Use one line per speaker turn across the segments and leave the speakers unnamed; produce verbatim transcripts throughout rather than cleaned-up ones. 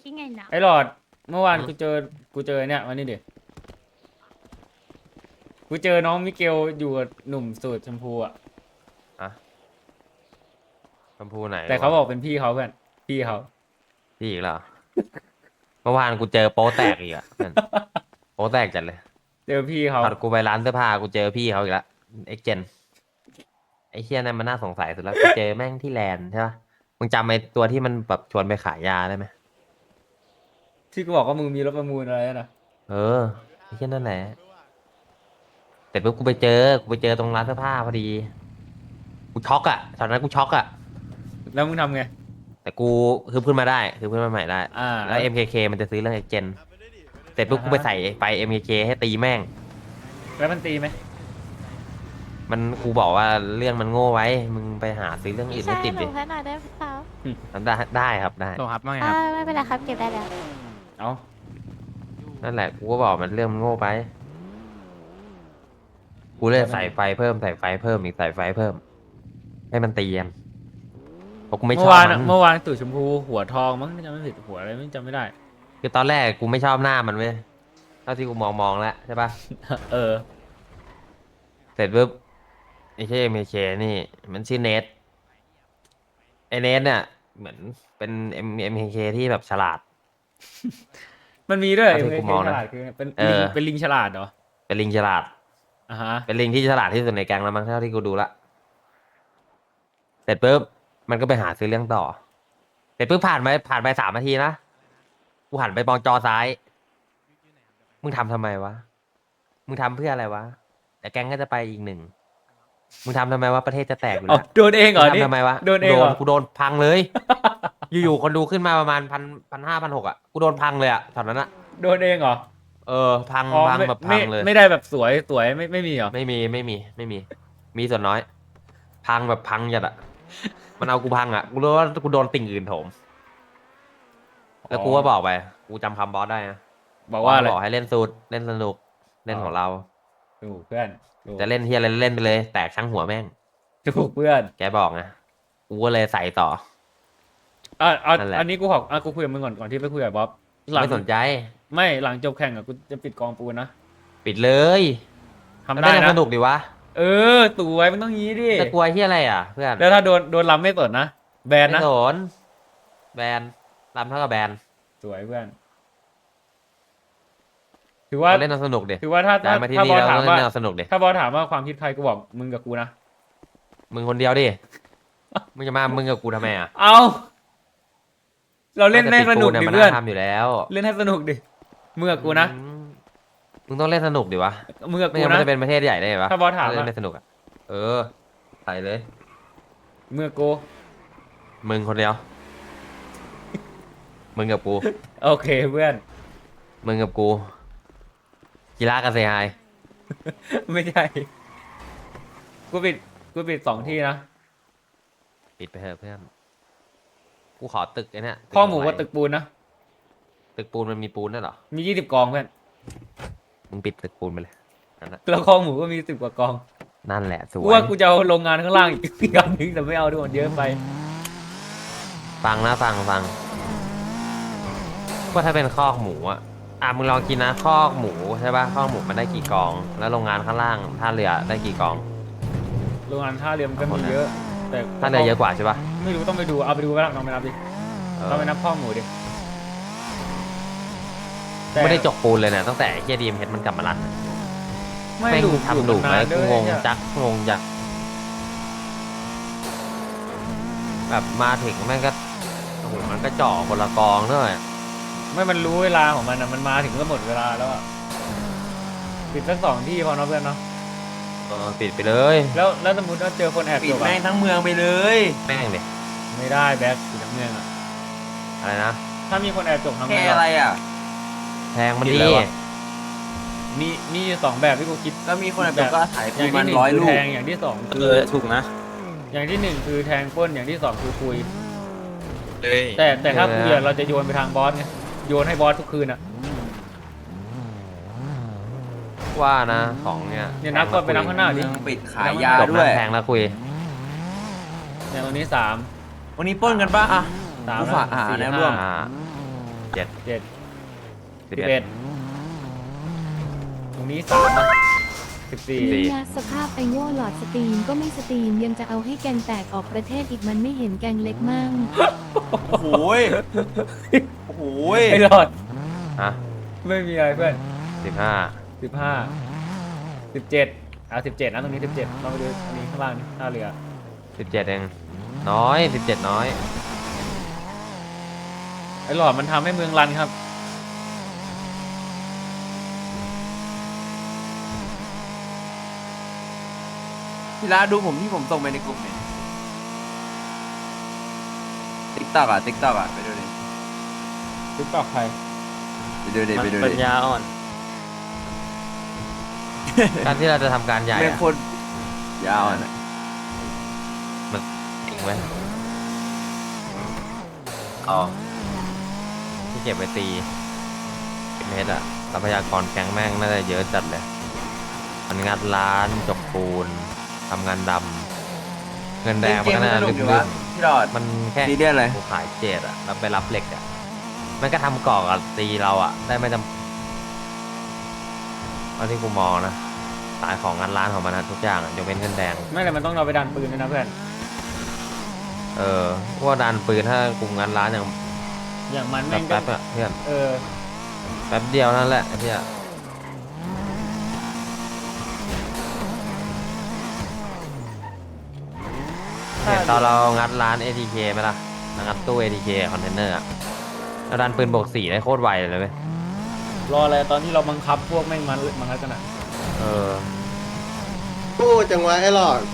คิดไงนะ
ไอ้หลอดเมื่อวาน
อืม
กูเจอกูเจอเนี่ยวันนี้ดิกูเจอน้องมิเกลอยู่กับหนุ่มสูตรชมพูอ่ะ
อะชมพูไหน
แต่เขา
วะ
บอกเป็นพี่เขาเพื่อนพี่เขา
พี่อีกแล้วเหรอเมื่อวานกูเจอโป๊แตกอีกอะเพื่อนโป๊แตกจัดเลย
เจอพี่เขา
ตอนกูไปร้านเสื้อผ้ากูเจอพี่เขาอีกแล้วเอ็กเจนไอ้เชี่ยนั่นมันน่าสงสัยสุดแล้วกูเจอแม่งที่แลนด์ใช่ปะมึงจำไอ้ตัวที่มันแบบชวนไปขายยาได้ไหม
ที่กูบอกว่ามึงมีรถประมูลอะไรนะ
เออไอ้เชี่ยนั่นแหละแต่ปุ๊บกูไปเจอกูไปเจอตรงร้านเสื้อผ้าพอดีกูช็อกอะตอนนั้นกูช็อกอะ
แล้วมึงทำไง
แต่กูคือขึ้นมาได้คือขึ้นมาใหม่ได้
อ่า
แล้ว เอ็ม เค เค มันจะซื้อเรื่องเอ็กเจนเสร็จปุ๊บ
อ่าฮะ
กูไปใส่ไฟ เอ็ม เค เค ให้ตีแม่ง
แล้วมันตีไหม
มันกูบอกว่าเรื่องมันโง่ไว้ มึงไปหาซื้อเรื่องอื่น
ใช่
ให้ติด
หนู
ดิ
ให้หน่อยได้ไหมครับ
ได้ได้ครับได้
โลครับว่าไง
อ่า
ครับ
ไม่เป็นไรครับเก็บได้แล้ว
เอา
นั่นแหละกูก็บอกมันเรื่องมันโง่ไป กูเลยใส่ไฟเพิ่มใส่ไฟเพิ่มอีกใส่ไฟเพิ่ม ให้มันตีกันเพราะกูไม่ช
เมื่
อ
อบ วาน
มั
อะ
น
เมื่อวานตู่ชมพูหัวทองมั้งจำไม่ผิดหัวอะไรไม่จำไม่ได้
คือตอนแรกกูไม่ชอบหน้ามันเว้ยเท่าที่กูมองมองแล้วใช่ปะ
เออ
เสร็จปุ๊บไอ้เช่เมเคนี่ มันชื่อเนทไอ้เนทเนี่ยเหมือนเป็นเอ็มเอ็มเคที่แบบฉลาด
มันมีด้วย
เอาที่
เอ็
กู
ม
มอง
ฉ
นะ
ลาดคือเป็น
เอ
ลิง
อ
เป็นลิงฉลาดเหรอ
เป็นลิงฉลาด
อ่าฮะ
เป็นลิงที่ฉลาดที่สุดในแก๊งแล้วมั้งเท่าที่กูดูละเสร็จปุ๊บมันก็ไปหาซื้อเรื่องต่อ เสร็จปุ๊บผ่านไปผ่านไปสามนาทีนะ กูหันไปมองจอซ้าย มึงทำทำไมวะ มึงทำเพื่ออะไรวะ แต่แก๊งก็จะไปอีกหนึ่ง มึงทำทำไมวะประเทศจะแตกอยู่
เอา
แล้ว
โดนเองเหรอ
มึง
นี่
ทำทำไมวะ
โดนเองเหรอ
กูโดนพังเลย อยู่ๆคนดูขึ้นมาประมาณพันพันห้าพันหกอ่ะ กูโดนพังเลยอ่ะตอนนั้นอ่ะ
โดนเองเหรอ
เออ พัง
อ๋อ
พัง
ไม่
แบบพั
ไม่
งเลย
ไม่ได้แบบสวยสวยไม่ไม่มีเหรอ
ไม่มีไม่มีไม่มี มีส่วนน้อย พังแบบพังจัดอะมันเอากูพังอะกูรู้ว่ากูโดนติ่งอื่นโถม แล้วกูก็บอกไป กูจำคำบอสได้นะ
บอกว่าอะไร
บอกให้เล่นสูตรเล่นสนุก เล่นของเรา
ถูกเพื่อนถูก
จะเล่นที่อะไรเล่นไปเลย แตกช่างหัวแม่ง
ถูกเพื่อน
แกบอกไงกูก็เลยใส่ต่อ
อ่ะเอา
นั่นแหละ
อันนี้กูขออ่ะกูคุยกับมึงก่อนก่อนที่ไปคุยกับบ๊อบหลัง
ไม่สนใจ
ไม่หลังจบแข่งอ่ะกูจะปิดกองปูนนะ ปิ
ปิดเลย
ทำได้
เล่
นะ
สนุกดีวะ
เออตู่ไว้มันต้องงี้ดิ
จะกลัวที่อะไรอ่ะ เพื่อน
แล้วถ้าโดนโดนลำไม่สดนะแบน
ไม่
นะ
สนแบนรำเท่ากับแบน
สวยเพื่อน ถือว่า
เราเล่นเอาสนุกดิ
ถือว่าถ้า
ได้
ถ้า
มาที่
ถ้า
นี่
บอส
เรา
ถาม
เล่
ว่า
นเอาสนุกดิ
ถ้าบอสถามว่าความคิดใครกูบอกมึงกับกูนะ
มึงคนเดียวดิ มึงจะมา มึงกับกูทำไมอ่ะ
เอาเราเล่นให้สนุกดิ
มัน
เพื่อน
ทำอยู่แล้ว
เล่นให้สนุกดิมึงกับกูนะ
อืมมึงต้องเล่นสนุกดิวะ
มึงกับ
ไม่
กู
งั้นมั
นะ
นจะเป็นประเทศใหญ่ได้ปะ
ถ้าบอสถาม
เล่
อะ
นไม่สนุกอ่ะ เออ ใส่เลย
มึงกับกู
มึงคนเดียว มึงกับกู
โอเคเพื่อน
มึงกับกูกีฬากับเซฮาย
ไม่ใช่กูปิดกูปิดสองที่นะ
ปิดไปเถอะเพื่อน กูขอตึกไอ้เนี่ย
ข้อหมูกับ
ไ
ตึกปูนนะ
ตึกปูนมันมีปูนด้วยเหรอ
มียี่สิบกองเพื่อน
มึงปิดตึกปูนไปเลยนั่นน่ะ
แล้วข้อหมูก็มีสิบกว่ากอง
นั่นแหละสว
กู
ย
ว่ากูจะเอาโรงงานข้างล่างอีก อีกอันนึงแต่ไม่เอาด้วยมันเยอะไป
ฟังนะฟังฟังว่าถ้าเป็นคอกหมูอ่ะ อ่ะมึงลองกินนะคอกหมูใช่ป่ะคอกหมูมันได้กี่กอง แล้วโรงงานข้างล่างท่าเรือได้กี่กอง
โรงงานท่าเรือมันก็มีเยอะ แต่
ท่าเรือเยอะกว่าใช่ป่ะ
ไม่รู้ต้องไปดูเอาไปดูไปแล้วลองไปนับดิ
เออ
ต้องไปนับข้อหมูดิแต่
ไม่ได้จกปูนเลยเนี่ยตั้งแต่เฮียดีมเฮดมันกลับมารัน
ไม่
แม่ง
ดู
ทำหลุม
นา
ไหม
นด้
กู
วย
งง
เนี่ย
จักงงจักแบบมาถึงแม่งก็โอ้โหมันก็เจ่อคนละกองด้วย
ไม่มันรู้เวลาของมันอะมันมาถึงก็หมดเวลาแล้วอะปิดสักสองที่พอเนาะเพื่อนเนาะ
เออปิดไปเลย
แล้วแล้วสมมติว่าเจอคนแอบ
ปิ
จ
ด
บ
แม่
อะ
งทั้งเมืองไปเลย
แม่งเลย
ไม่ได้แบ็คสีน้ำเงินอะ
อะไรนะ
ถ้ามีคนแอบจบทำไง
แค่
หรอ
อะไรอ่ะ
แทงมัน
ปิด
ดี
แล้วอะ
มีมีอยู่สองแบบที่กูคิด
แล้วมีคนแอบจบก็ถ่าย
อ
ปู
ย่าง
มั
ที่
น
หนึ่ง
ร้อย
คือ
ลู
แท
ก
งอย่างที่สอง
เอ
คือ
อถูกนะ
อย่างที่หนึ่งคือแทงปล้นอย่างที่สองคือคุย
เลย
แต่แต่ถ้าคุยอะเราจะโยนไปทางบอสไงโยนให้บอสทุกคืนอะ
ว่านะของเนี่ย
เนี่ยนับก่อนไปนับข้างหน้าดิ
เมืองปิดขายยา
จบ
ด้วย
นะแทงแล้วคุย
เนี่ยวันนี้สาม
วันนี้ปล้นกันปะอ่ะ
สาม
กูฝากหา
สี่
แนว
ห้
ร่วม
อ่าเจ็ด
เจ็ด
สิบ
สิบ
เอ็
เอ็
ด
ดตรงนี้สามนะสิบสี่
สี่
นี่นะสภาพไอโง่หลอดสตรีมก็ไม่สตรีมยังจะเอาให้แกงแตกออกประเทศอีกมันไม่เห็นแกงเล็กมั่ง
โอ้โหยโอ้โหย
ไอ้หลอด
ฮะ
ไม่มีอะไรเพื่อน
สิบห้า
สิบห้าสิบเจ็ดเอาสิบเจ็ดนะตรงนี้สิบเจ็ดลองไปดูอันนี้ข้างล่างนี่ท่าเรือ
สิบเจ็ดเองน้อยสิบเจ็ดน้อย
ไอ้หลอดมันทำให้เมืองรันครับ
พี่ละดูผมที่ผมส่งไปในกลุ่มเนี่ยติ๊กต็อกอ่ะติ๊กต็อกอ่ะไปดูดิ
ติ๊กต็อกใคร
ไปดูดิ
มัน
ไปดู
ปั
ดิ
ญญาอ่อน
การที่เราจะทำการใหญ่
เป็น
อะ
คนยาวอ่ะนะ
มันจริงไหมอ๋อที่เก็บไปตีเมตรอะทรัพยากรแก๊งแม่งน่าจะเยอะจัดเลยมันงัดร้านจกปูนทำงานดำเงินแดงมันก็น่า
เล่
ลึ
น
ก
เกม
ๆ
มันสนุกอยู่วะพี่หลอด
มันแค่
ซีเรียสเลย
กูขายเจดอะแล้วไปรับเหล็กอะมันก็ทำก่อกับตีเราอะได้ไม่จำเอาที่กูมองนะสายของงานร้านของมันนะทุกอย่างอะยกเว้นเงินแดง
ไม่แต่มันต้องเราไปดันปืนด้วยนะเพื่อน
เออพวกดันปืนถ้ากลุ่มงานร้านอย่าง
อย่างมันแม่งก็
แป๊บๆอะเพื่อน
เออ
แป๊บเดียวนั่นแหละไอ้เพี่ยเห็นตอนเรางัดร้าน เอ ที เค ไหมล่ะงัดตู้ เอ ที เค คอนเทนเนอร์อะเราดันปืนบวกสี่ได้โคตรไวเลยเว้ย
รออะไรตอนที่เราบังคับพวกแม่งมันมันกันอ่ะ
เออ
พูดจังวะไอ้หลอด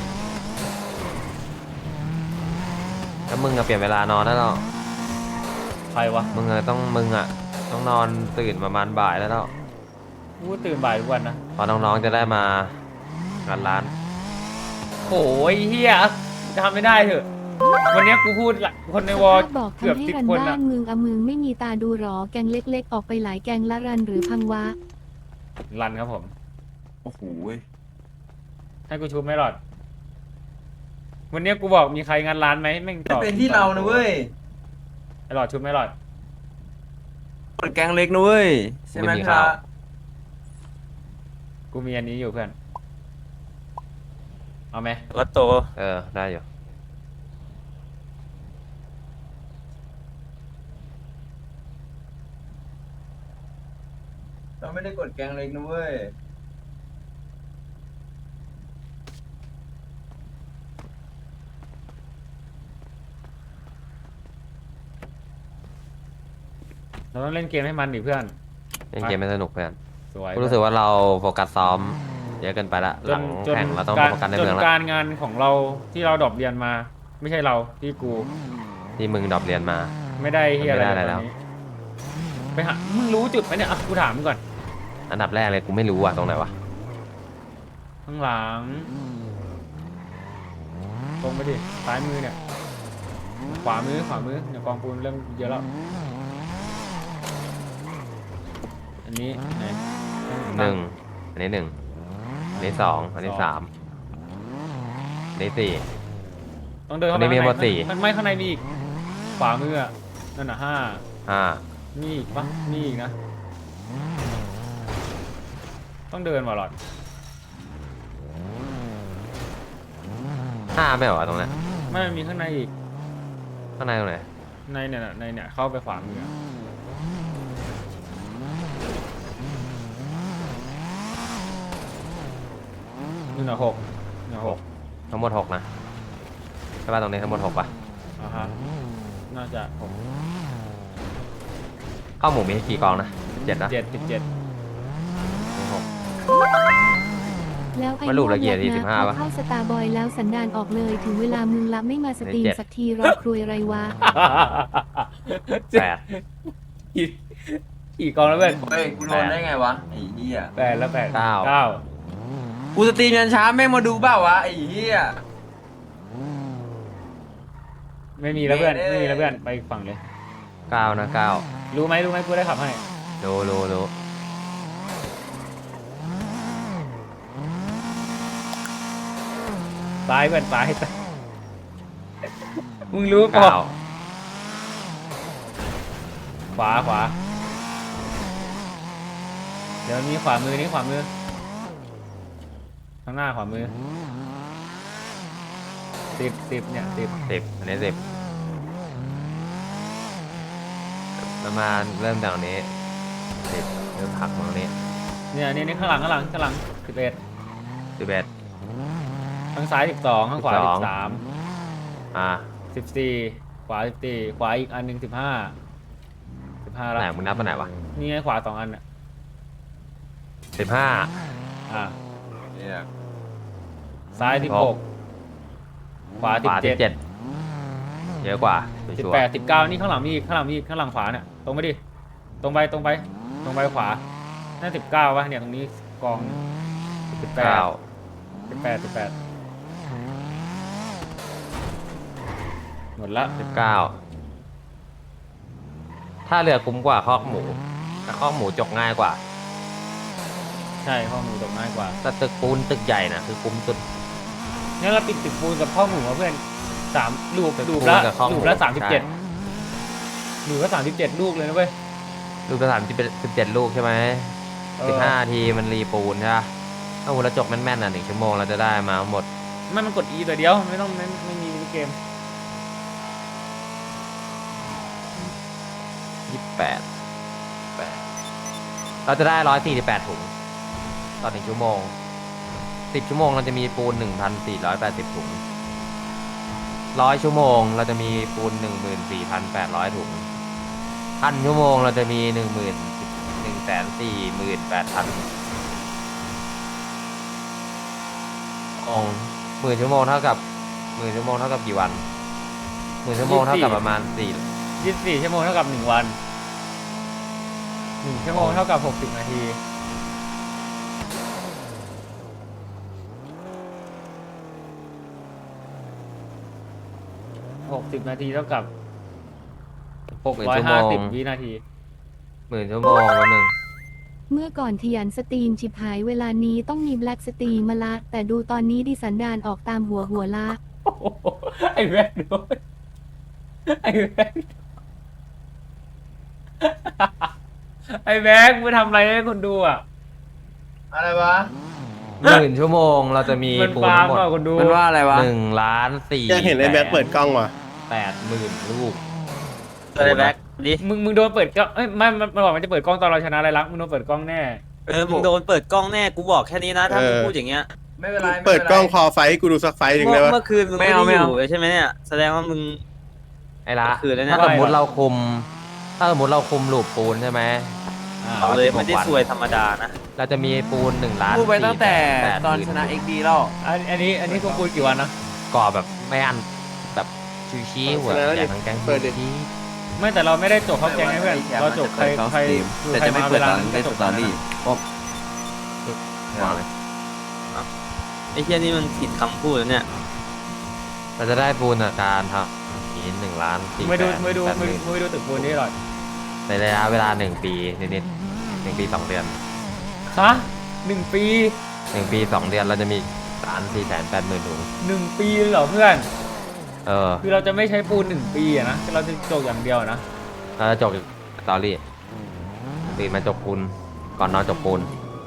แล้วมึงอะเปลี่ยนเวลานอนได้แล้ว
ใครวะ
มึงอะต้องมึงอะต้องนอนตื่นประมาณบ่ายแล้วแล้ว
กูตื่นบ่ายทุกวันนะ
พอน้องๆจะได้มางานร้าน
โอ้ยเฮียทำไม่ได้เถอะ วันเนี้ยกูพูดละคนในวอล
สภาพบอก
เกือบ
ทำให้
สิบ
รัน
คน
บ้า
อะ
นมึงอะมึงไม่มีตาดูหรอแกงเล็กๆ ออกไปหลายแกงละรันหรือพังวะ
รันครับผม
โอ้โหย
ให้กูชูไม่หลอด วันเนี้ยกูบอกมีใครงานร้านไหมแม่งตอบ
เป็นที่เรานะเว้ย
ไอหลอดชูไม่หลอด
กดแกงเล็กนะเว้ยใช่ไหม
ไม่มี
พี่
ข้า
ละ
ว
กูมีอันนี้อยู่เพื่อน เอาไหม
ก็โต
เออได้อยู่
เราไม่ได้กดแกงเล็กนะเว้ย
เราต้องเล่นเกมให้มันดิเพื่อน
เล่นเกมไม่สนุกเพื่อน
สวย
กูรู้สึกว่าเราโฟกัสซ้อมเยอะเกินไปละ
จ
หลั
น
ง
จน
แข่งเราต้อง
การ
โฟกัสใน
จน
เมืองละ
การงานของเราที่เราดรอปเรียนมา ไม่ใช่เราที่กู
ที่มึงดรอปเรียนมา
ไม่ได้เฮียอะไร
ไม่ได้อะไร
ต
แล้
อน
ว
นี้ไปหามึงรู้จุดไหมเนี่ยอ่ะกูถามมึงก่อน
อันดับแรกเลยกูไม่รู้อ่ะตรงไหนวะ
ข้างหลัง ตรงไปดิซ้ายมือเนี่ย ขวามือขวามือเนี่ยกองปูนเริ่มเยอะแล้ว อันนี้ไหน
หนึ่งอันนี้หนึ่งอันนี้สองอันนี้สามอันนี้สี่
ต้องเดินเข้า
อันนี้
ไป
มี
ข้าง
หมด
ใน
สี่
มันไม่ข้างในมีอีก ขวามืออะนั่นน่ะห้า
ห้า
มีอีกปะมีอีกนะ ต้องเดินว่ะหลอด
ห้าไม่เหรอตรงนั้น
ไม่มีข้างในอีก
ข้างในตรงไหน
ในเนี่ยน่ะในเนี่ยเข้าไปขวามืออะนี่น่ะหกนี่น่ะหก
ทั้งหมดหกนะใช่ป่ะตรงนี้ทั้งหมดหกป่ะ
อ่าฮะน่าจะหก
ข้าวหมูมีกี่กองนะเจ็ดนะ
เจ็ดสิบเจ็ด
มีหก
แล้วไอ้
มันรูปละเอียด
โง่
สี่
นะ
สิบห้า
พอ
ปะ
เข้าสตาร์บอยแล้วสันดานออกเลยถึงเวลามึงละไม่มาสตรีม
เจ็ด
สักทีรอครวยไรวะ
แปด
กี่กี่กองแล้วเพื่อน
เฮ้ยกูโดนได้ไงวะไอ้เหี้ย
แปดแล้วแปด
เก้า
เก้า
กูสตรีมยันเช้าแม่งมาดูเปล่าวะไอ้เหี้ย
ไม่มีแล้วเพื่อน
เย้
ไม่มีแล้วเพื่อนไปอีกฝั่งเลย
เก้านะเก้า
รู้ไหมรู้ไหมกูได้ขับให้
รู้รู้รู้
ซ้ายเพื่อนซ้ายซ้ายมึงรู้เปล่า
เก้า
ขวาขวาเดี๋ยวมีขวามือนี่ขวามือข้างหน้าขวามือสิบสิบเนี่ยสิบ
สิบอันนี้สิบประมาณเริ่มจากตรงนี้สิบเริ่มผักตรงนี้
เนี่ยนี่นี่ข้างหลังข้างหลังข้างหลังสิบเอ็ด
สิบเอ็ด
ข้างซ้ายสิบสองข้างขวา
สิ
สิ
บสอง
บสาม
อ่า
สิบสี่ขวาสิบสี่ขวาอีกอันหนึ่งสิบห้าสิบห้าแล้ว
ไหนมึงนับมาไหนวะ
นี่ไงขวาสองอันอ่ะ
สิบห้า
อ่า
เนี่ย
ซ้ายสิบหกขวา
ข
สิบ
วาสิ
เจ็ด
บเจ็ดเยอะกว่า
สิบ
ชัว
แปด
ร์
สิบเก้านี่ข้างหลังมีอีกข้างหลังมีอีกข้างหลังขวาเนี่ยตรงไปดิตรงไปตรงไปตรงไปขวาน่าสิบเก้าวะเนี่ยตรงนี้กองสิบแปด
เก้า
สิบแปดสิบแปดหมดละ
สิบเก้าถ้าเรือคุ้มกว่าคอกหมูแต่คอกหมูจกง่ายกว่า
ใช่ข้อมูลตกง่ายกว่า
แต่ตึกปูนตึกใหญ่นะคือคุ้มสุด
งั้นเราปิดตึกปูนกับข้อมูลเพื่อนสามลูก
ตึก
ลูก
ปูน
ละ
กับข้อมูล
ลูกละสามสิบเจ็ด
ใช่
ลูกละสามสิบเจ็ดลูกเลยนะเว้ย
ลูกละสามสิบสิบเจ็ดลูกใช่ไหม
เออ
สิบห้าทีมันรีปูนใช่ปะถ้าหัวเราจกแม่นๆอ่ะหนึ่งชั่วโมงเราจะได้มาหมด
ไม่มันกด E ตัวเดียวไม่ต้องไม่ไม่มีมินิเกม
ยี่สิบแปดแปดเราจะได้ร้อยสี่สิบแปดถุงต่อหนึ่งชั่วโมงสิบชั่วโมงเราจะมีปูนหนึ่งพันสี่ร้อยแปดสิบถุงร้อยชั่วโมงเราจะมีปูนหนึ่งหมื่นสี่พันแปดร้อยถุงพันชั่วโมงเราจะมีหนึ่งหมื่นหนึ่งแสนสี่หมื่นแปดพันองหมื่นชั่วโมงเท่ากับหมื่นชั่วโมงเท่ากับกี่วันหมื่นชั่วโมงเท่ากับประมาณสี่
ยี่สิบสี่ชั่วโมงเท่ากับหนึ่งวันหนึ่งชั่วโมงเท่ากับหกสิบนาทีหกสิบนาทีเท่ากับหกร้อยห้าสิบวินาที
หมื่นชั่วโมงวันหนึ่ง
เมื่อก่อนขยันสตรีมชิบหายเวลานี้ต้องมีแบล็กสตรีมมาละ แต่ดูตอนนี้ดิสันดานออกตามหัวหัวละ
โอ้โหไอ้แว่นด้วยไอ้แว่นไอ้แว่นมึงทำอะไรให้คนดูอ่ะ
อะไรวะ
หมื่นชั่วโมงเราจะมี
มัน
ปูน
ฟาร์
ทั้
ม
งหมด
อ่ะคนดู
มันว่าอะไรวะ
หนึ่งล้านสี่
อยากเห็นไอ้แบ็คเปิดกล้องว่ะ
แปดหมื่นลูก
อะไรแบ็คดิ
มึงมึงโดนเปิดกล้องเอ้ยไม่มันมันบอกมันจะเปิดกล้องตอนเราชนะอะไรลักษณ์มึงโดนเปิดกล้องแน่
เออ มึงโดนเปิดกล้องแน่ กูบอกแค่นี้นะ ถ้ามึง
เออ
พูดอย่างเงี้ย
ไม่เป็นไร
เปิดกล้องคอไฟให้กูดูสักไฟหนึ่ง
เมื่
ได้
อ
ปะ
เมื่อคืนมึง
ไม่
ไม่
เอา
ได้
ไม่
อ
เอา
ยู่ใช่ไหมเนี่ย แสดงว่ามึง
ไอ้ละ
คืนแล้วเนี่ย
ถ้าสมมติเราคุม ถ้าสมมติเราคุมลูปปูนใช่ไหม
อ่า
อ๋อ
เลยไม่ได้ซวยธรรมดานะ
เราจะมีปูนหนึ่งล้าน
พูดไปตั้งแต่
สี่แส
ตอน
แปด
ชนะ
ห
เอ็
มื่
กดีแล้ว
อันอันนี้อันนี้กูคุยกี่วันนะ
ก่อแบบไม่อันแบบชูชี้หัวแจกทั้งแก๊ง
เปิดดิ
ชี้
ไม่แต่เราไม่ได้จบเขาแกงให้เพื่อนเราจบใครใคร
แต่จะไม่เปิดตอนเล่นสตอรี่
วางเลย
ไอ้เหี้ยนี่มันผิดคำพูดแล้วเนี่ย
เราจะได้ปูนจากการทำนี้หนึ่งล้านสี่
ไม่
แส
ดู
น
ไม่ดู
แปดห
ไม่
มื่น
ไม่ดูตึกปูนนี่หรอก
ในระยะเวลาหนึ่งปีนิดๆหนึ่งปีสองเดือน
ฮะหนึ่งปี
หนึ่งปีสองเดือนเราจะมีล้านสี่แสนแปดหมื่นถุง
หนึ่งปีเลยเหรอเพื่อน
เออ
คือเราจะไม่ใช้ปูนหนึ่งปีอะนะเราจะจบอย่างเดียวนะ
เราจะจบสตอรี่ตื่นมาจบปูนก่อนนอนจบปูน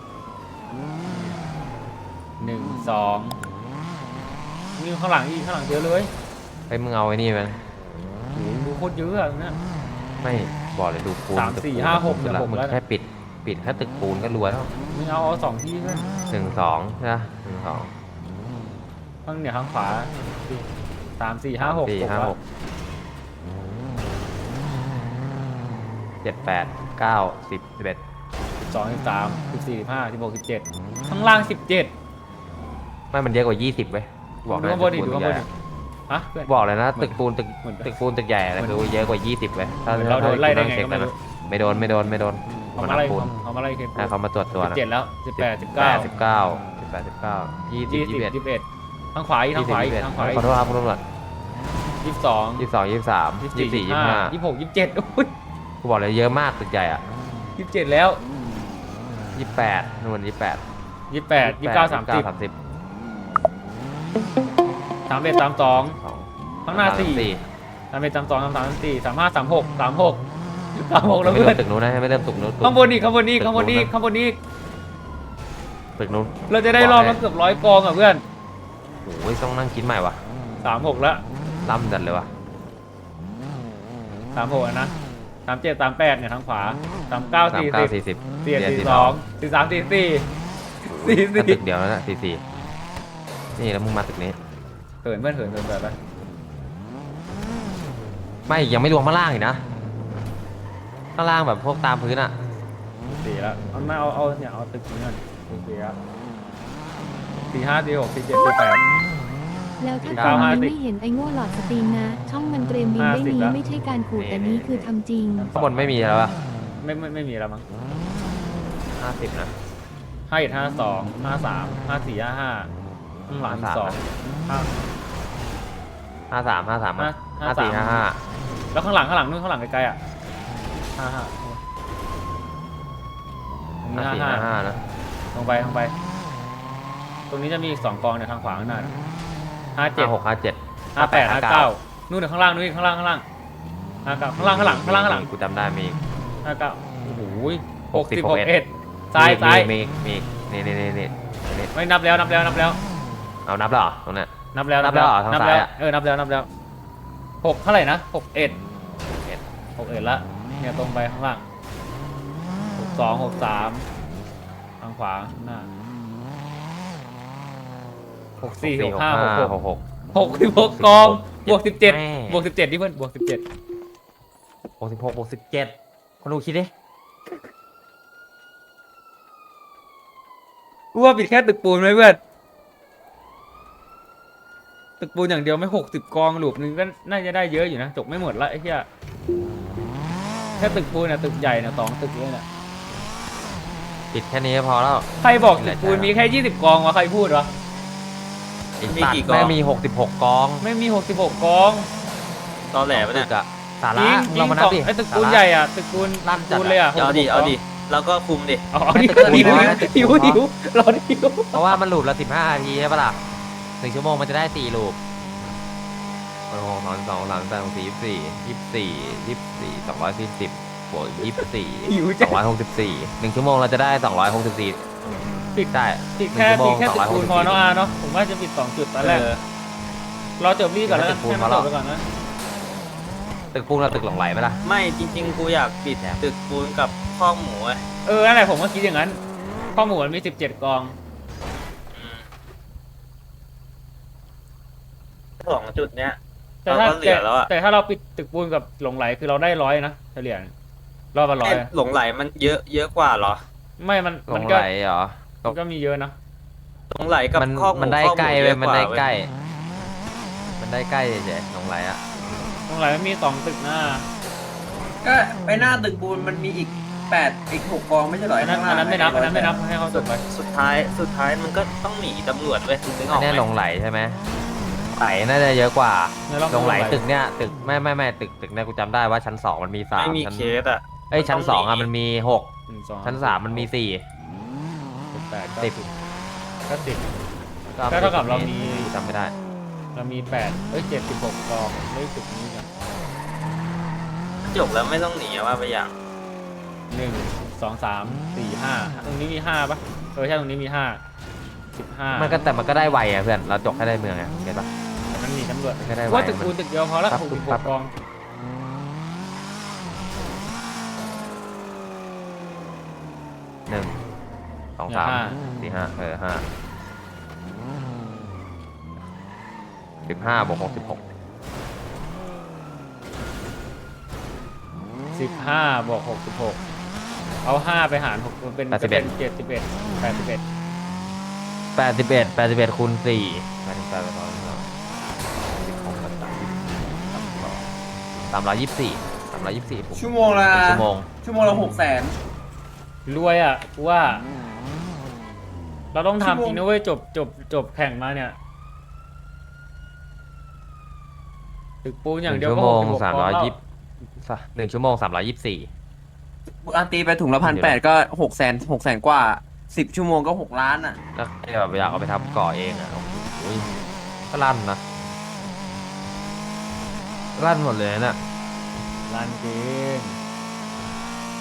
หนึ่งสองนี่ข้างหลังอีกข้างหลังเยอะเลย
เฮ้ยมึงเอาไอ้นี่ไหม
โอ้โหดูโคตรเยอะอะเนี่ย
ไม่บอกเลยดูปูน
สาม
ตึก
สี่
ปูน
ห้าหก
สุดละ
เดี๋ยวหก
มึง
แล้ว
แค่ปิดปิดแค่ตึกปูนก็รวยแล้ว
มึงเอาเอาสองที่เพื่อน
หนึ่งสองใช่ไหมหนึ่งสอง
ข้างเนี่ยข้างขวาสามสี่ห้าหก
สี่ห้าหกเจ็ดแปดเก้าสิบสิบเอ็ด
สิบสองสิบสามสิบสี่สิบห้าสิบหกสิบเจ็ดข้างล่างสิบเจ็ด
ไม่มันเยอะกว่ายี่สิบเว้ยบอก
ดู
เลย
ข้างบนดิ
ตึก
ดู
ปูน
ข้างบน
ให
ดิ
ญ่
ฮะเพื่อน
บอกเลยนะ
เหมือน
ตึกปูนตึก
เหมือน
ตึกปูนตึกใหญ่อะไร
เหมือน
คือเยอะกว่ายี่สิบเว้ยถ้า
เหมือนเราโดนไล่ได้ไง
เช็ค
ก็ไม่รู้
นะไม่โดนไม่โดนไม่โดน
เขา
มัน
มาไล่
ปูน
เขามาไล่เคน
ให้เขามาตรวจตัว
สิบ
นะ
เจ็ดแล้วสิบแปดสิบ
แป
เก้า
ดสิบเก้าสิบแปดสิบเก้ายี่สิบ
ยี่
ยี่
สิ
สิ
บบ
เอ็ด
ยี่สิบเอ็ดทางขวาอีกทางขวาอีกทางขวาอีก
ขอโทษครับคุณตำรวจ
ยี่สิบสอง
ยี่สิบสองยี่สิบสาม
ยี่
ยี่
สิ
สิ
บบ สี่
สี่
ยี่
ยี่
สิ
สิ
บบ ห้า
ห้า
ยี่สิบหกยี่สิบเจ็ดอุ้ย
กูบอกเลยเยอะมากตึกใหญ่อ่ะ
ยี่สิบเจ็ดแล้ว
ยี่สิบแปดนู่นยี่สิบแปด
ยี่สิบแปดยี่สิบเก้าสามสิบ
สามสิบ
สามเอ็ดสามสอง
สอง
ข้างหน้าสี่ สามเอ็ดสามสองสามสามสามสี่สามห้าสามหกสามหกสามหกแล้ว
ไม่
เพื่
เริ่
อน
มตึกนู้นนะไม่เริ่มตึกนู้น
ข้างบนอีกข้างบนอีกข้างบนอีกข้างบนอีก
ตึกนู้น
เราจะได้รอบละเกือบร้อยกองอ่ะเพื่อน
โอ้ยต้องนั่งคิดใหม่วะ
สามหกแล้ว
ล่ำจัดเลยวะ
สามหกนะสามเจ็ดสามแปดเนี่ยทางขวาสามเก้า
สาม
สี่
เก้า
สิบ
สี่สิบ
สี่สี่สองสี่สามสี่สี่สี่
ถ้า
สี่
ตึกเดียวแล้วนะสี่สี่นี่แล้วมึงมาตึกนี้
เขินเพื่อนเขินเขินเขินไป
ไม่ยังไม่รวมข้างล่างอีกนะข้างล่างแบบพวกตามพื้นอะ
สี่แล้วเอาไม่เอาเอาเนี่ยเอาตึกนี้ก่อนสี่แล้วสี่ห้าสี่หกสี่เจ็ดสี่แปด
แล้วถ้า
เก้า
ตอน
ห้า
นั้น
สิบ
ไม่เห็นไอ้โง่หลอดสตรีมนะ ช่องมันเตรียมบิน
ห้า
ได้
สิบ
นี้
ละ
ไม่ใช่การขู่แต่นี้คือทำจริง
ข้างบนไม่มีแล้วปะ
ไม่ไม่ไม่มีแล้วมั้ง
ห้าสิบนะ
ห้าเอ็ดห้าสองห้าสามห้าสี่ห้าห้าข้างหลัง
ห้าสาม
สองห้า
ห้าสามห้าสาม
ห้า
ห้าสี่
ห้า
ห้า
สาม
ห้า
แล้วข้างหลังข้างหลังนู่นข้างหลังไกลๆอ่ะห้าห้าตรงนี้
ห้า
ห้า
สี่
ห้า
ห้าห้านะ
ตรงไปตรงไป ตรงนี้จะมีอีกสองกองเนี่ยทางขวาข้างหน้าห้าเจ็
ห้า
ด
หกห้าเจ็ด
ห้าแปดห้าเก้านู่นเดี๋ยวข้างล่างนู่นอีกข้างล่างข้างล่างห้าเก้าข้างล่างข้างหลังข้างล่างข้างหลัง
กูจำได้มี
ห้าเก้าโอ้โหห
ห
ก
ก
สิ
สิ
บบ หก
หกเอ็
เอ็ด
ด
ซ้ายซ้าย
มีมีมีนี่นี่นี่นี่
ไม่นับแล้วนับแล้วนับแล้ว
เอานับแล้วเหรอตรงเนี้ย
นับแล้ว
นับแล้วเหรอทาง
นับ
ซ้า
แล้
ยว อะ
เออนับแล้วนับแล้วหกเท่าไหร่นะหกเอ็ดหกเอ็ดละเนี่ยตรงไปข้างล่างหกสองหกสามทางขวาข้างหน้าหกสี่หกห้าหกหก
หกหก
หกสิบหกกองบวกสิบเจ็ด
แม่
บวกสิบเจ็ดที่เพื่อนบวกสิบเจ็ด
หกสิบหกบวกสิบเจ็ดคนดูคิดดิ
กูว่าปิดแค่ตึกปูนไหมเพื่อนตึกปูนอย่างเดียวไม่หกสิบกองหลูปนึงก็น่าจะได้เยอะอยู่นะจบไม่หมดละไอ้เหี้ยแค่ตึกปูนน่ะตึกใหญ่น่ะสองตึกเลยน่ะ
ปิดแค่นี้ก็พอแล้ว
ใครบอกตึกปูนมีแค่ยี่สิบกองวะใครพูดวะ
ไอ้
มี
สัต
กี่
ว์
กอง
แม่งมีหกสิบหกกอง
ไม่มีหกสิบหกกอง
ตอแหลปะ
ตึ
เนี่ย
กอะสา
จ
ระ
ริงจริ
เรา
ง
มานั
ส
บ
อง
ดิ
ไอ้ตึกปูน
สาระ
ใหญ่อะตึกปูน
ลั่นจัด
ปูนเลยอะ
เอาดิ
หกสิบหก
เอาดิแล้วก็คุมดิ
อ๋อดิ
ตึกปูน
หิว
น้อยนะตึกปู
หิ
น
ว
น้อย
หิวรอหิว
เพราะว่ามันหลูบละสิบห้านาทีใช่ปะล่ะหนึ่งชั่วโมงมันจะได้สี่ลูปโอ้โหสองสองสามสามสี่ยี่สิบสี่ยี่สิบสี่ยี่สิบสี่สองร้อยสี่สิบบวกยี่สิบสี่
หิว
ส
จั
องร้อยหกสิบสี่หนึ่งชั่วโมงเราจะได้สองร้อยหกสิบสี่ปิดได้
ปิดแค่
หนึ่
ปิ
ง
ดแค่
ชั่ว
ตึ
โม
ก
ง
ปูนพอ
สองร้อยหกสิบสี่
เนาะอาเนาะผมว่าจะปิดสองจุดตอนแรก
เออ
รอจบรีก่อนแล้วกัน
ตึกปูน
ให้มัน
พอ
จ
แล้ว
บไปก่อนนะ
ตึกปูนกับตึกหลงไหลไหมล่ะ
ไม่จริง ๆ กูอยากปิดตึกปูนกับคอกหมูอะ
เออนั่นแหละผมก็คิดอย่างนั้นข้อมูลมันมีสิบเจ็ดกอง
สองจุดเนี้ย
แต่ถ้า
เราก็เหลือแล้วอะ
แต่ถ้าเราปิดตึกปูนกับหลงไหลคือเราได้ร้อยนะเฉลี่ยรอบละร้อย
เอ๊ะหลงไหลมันเยอะเยอะกว่าเหรอ
ไม่มัน
หล
มัน
ง
ก็
ไหลเหรอ
มันก็มีเยอะนะ
หลงไหลกับ
มัน
คอกหมู
มันได้
คอกห
ใกล้
เย
เว้ย
อะ
มัน
ว่า
ได้
เว้ย
ใกล้ มันได้ใกล้เฉยๆหลงไหลอะ
หลงไหลมันมีสองตึกหน้า
ก็ไปหน้าตึกปูนมันมีอีกแปดอีกหกกองไม่ใช่เหรอ
อันนั้นอันนั้นไม่นับอันนั้นไม่นับให้เขาจบไป
สุดท้ายสุดท้ายมันก็ต้องหนีตำรวจเว้ยนึกอ
อั
อน ก
เนี้ย
ไหม
หลงไหลใช่ไหมไหลน่าจะเยอะกว่า
ในรอบ
หลงไหลตึกเนี้ยตึกไม่ไม่ไม่ตึกตึกเนี้ยกูจำได้ว่าชั้นสองมันมีสาม
ไม่มี
ชั้น
เคสอะ
เอ้ยชั้น
มัน
ส
ต้
อ
อง ง
อะ
หนี
มันมีหก
หนึ่งสอง
ชั้นสามมันมีสี่
สิบแปด
สิบ
ก็สิบ ก็เท่ากับเรามี
กูจำไม่ได้
เรามีแปดเอ้ยเจ็ดสิบหกกองไม่ตึกนี้กัน
จบแล้วไม่ต้องหนีอะว่าไปอย่าง
หนึ่งสองสามสี่ห้าตรงนี้มีห้าปะเออใช่ตรงนี้มีห้าสิบห้า
มันก็แต่มันก็ได้ไวอะเพื่อนเราจบแค่ได้เมืองไงเก็ตปะ
มันมีตำรวจ
ไม่ได้ไว้
ว่าตึกปูนตึกเดียวพอละ
ครับ
หกสิบห
ครั
ก
บ
กอง
หนึ่งสองสามสี่ห้าเออห้าสิบห้าบวกหกสิบหก
สิบห้าบวกหกสิบหกเอาห้าไปหารหกมันเป็นเป็นเจ็ดสิบเอ็ดแปดสิบเอ็ด
แปดสิบเอ็ดแปดสิบเอ็ดคูณสี่แปดสิบแปดไปสองสิบหกสามสามร้อยยี่สิบสี่สามร้อยยี่สิบสี่
ชั่วโมงละ
ชั่วโมง
ชั่วโมงละหกแสน
รวยอ่ะกูว่า เราต้อง
ชั่วโม
ทำ
ง
จริงนะเว้ยจบจบจบแข่งมาเนี่ยตึกปูนอย่างเดียว
ชั่
ก็
วโม
หก
ง
สิบหก
สาม
กอง
ร้อย
แล้ว
ยี่สิบหนึ่งชั่วโมงสามร้อยยี่สิบสี่
อันตีไปถุงละพันแปดก็หกแสนหกแสนกว่าสิบชั่วโมงก็หกล้านอ่ะ
แล้วแบบอยากเอาไปทำก่อเองอ่ะโอ้โหก็ลั่นนะลั่นหมดเลยนะ
ร้านเกม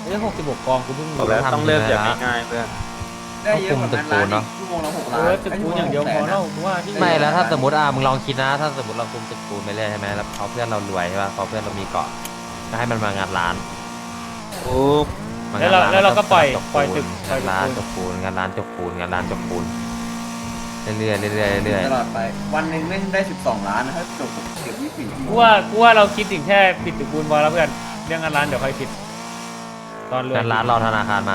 เอ้ยหกสิบหกกองกูเพิ่ง
บอก
รู้
แล้ว
ทำ
ต้องเริ่ม
ได้
จาก
ละ
ง่ายๆเพื่อน
ได้เยอะกว่านั้นร้าน
เน
อี
อะ
กชั่วโมงละหก
เอ
ล้าน
อตึกปูนอย่างเดียวพอแล้วกูว่าที่
ไม่แล้วถ้าสมมติอ่ะมึงลองคิดนะ ถ้าสมมติเราคุมตึกปูนไปเรื่อยใช่ไหมแล้วเขาเพื่อนเรารวยใช่ป่ะเขาเพื่อนเรามีเกาะก็ให้มันมางานร้าน
โอ้
มง
แล้ว
น
เรา
น
แล้วเราก็ปล่อย
จ
ปล่อย
ปู
ตึ
น
กปล่อย
งาน
ตึ
ร้าก น
ปูน
จกปูนงานร้านจกปูนงานร้านจกปูนเรื่อยๆเรื่อยๆเรื่อย
ตลอดไป วันหนึ่งแม่งได้สิบสองล้านนะถ้าจบเกือบยี่สิบสี่ชั่วโม
กู
ง
ว่ากูว่าเราคิดถึงแค่ปิดตึกปูนพอแล้วเพื่อนเรื่องงานร้านเดี๋ยวค่อยคิด ตอนร
ๆ
วย
งานร้านรอธนาคารมา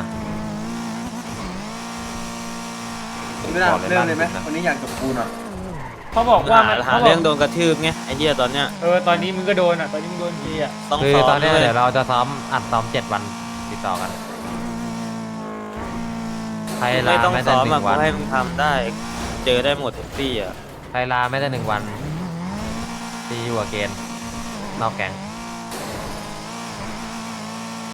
ไม่ได้
บอกเลย
เรื่องเลยไหม
ร้านจริงนะ
วันนี้อยากจบปูนอ่ะ
เขาบอกว่ามัน
หา
เขาบ
เรื่
อ
อก งโดนกระทืบไงไอ้เหี้ยตอนเนี้ย
เออตอนนี้มึงก็โดนอ่ะตอนนี้มึงโดนทีอ่ะ
ต้อง
คือ
ซ้อม
ตอนเนี้ย
ด้วย
เดี๋ยวเราจะซ้อมอัดซ้อมเจ็ดวันติดต่อกันใครลา
ไม่ต้อง
แม้แต่
ซ้อม
ห
อ่ะ
นึ่ง
กู
วัน
ให้มึงทำได้ เจอได้หมดทุกที่อ่ะ
ใครลาแม้แต่หนึ่งวันตีอยู่กับเกณฑ์นอกแก๊ง